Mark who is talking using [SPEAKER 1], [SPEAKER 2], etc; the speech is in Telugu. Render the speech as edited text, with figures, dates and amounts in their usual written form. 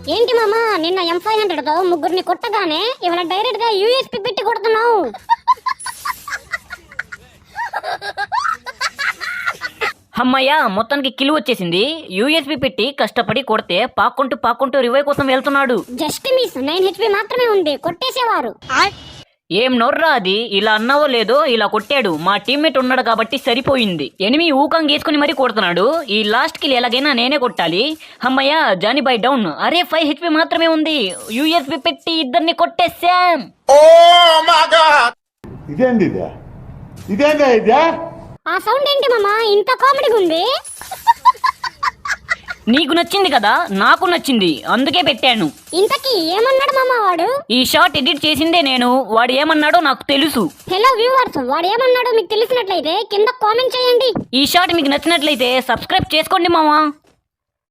[SPEAKER 1] ఏంటి మామా నిన్న M500 తో ముగ్గురిని కొట్టగానే ఇవాళ డైరెక్ట్ గా యూఎస్పీ పెట్టి కొడుతున్నావు.
[SPEAKER 2] అమ్మయ్య మొత్తానికి కిలు వచ్చేసింది. యూఎస్బి పెట్టి కష్టపడి కొడితే పాక్కుంటూ రివై కోసం వెళ్తున్నాడు.
[SPEAKER 1] జస్ట్ మిస్ 9 HP మాత్రమే ఉంది, కొట్టేసేవారు.
[SPEAKER 2] ఏం నోర్రా అది, ఇలా అన్నావో లేదో ఇలా కొట్టాడు. మా టీమ్మేట్ ఉన్నాడు కాబట్టి సరిపోయింది. ఎనిమి ఊకం గీసుకుని మరీ కొడుతున్నాడు. ఈ లాస్ట్ కిల్ ఎలాగైనా నేనే కొట్టాలి. అమ్మయ్య జానీ బై డౌన్. అరే 5 HP మాత్రమే ఉంది. యూఎస్బి పెట్టి ఇద్దరిని కొట్టేశాం.
[SPEAKER 1] ఆ సౌండ్ ఏంటి మామా ఇంత కామెడీగా ఉంది?
[SPEAKER 2] నీకు నచ్చింది కదా, నాకు నచ్చింది, అందుకే పెట్టాను.
[SPEAKER 1] ఇంతకీ ఏమన్నాడు మామా వాడు?
[SPEAKER 2] ఈ షార్ట్ ఎడిట్ చేసిందే నేను. వాడు ఏమన్నాడో నాకు తెలుసు.
[SPEAKER 1] హలో వ్యూవర్స్, వాడు ఏమన్నాడో మీకు తెలిసినట్లయితే కింద కామెంట్ చేయండి.
[SPEAKER 2] ఈ షార్ట్ మీకు నచ్చినట్లయితే సబ్స్క్రైబ్ చేసుకోండి మామా.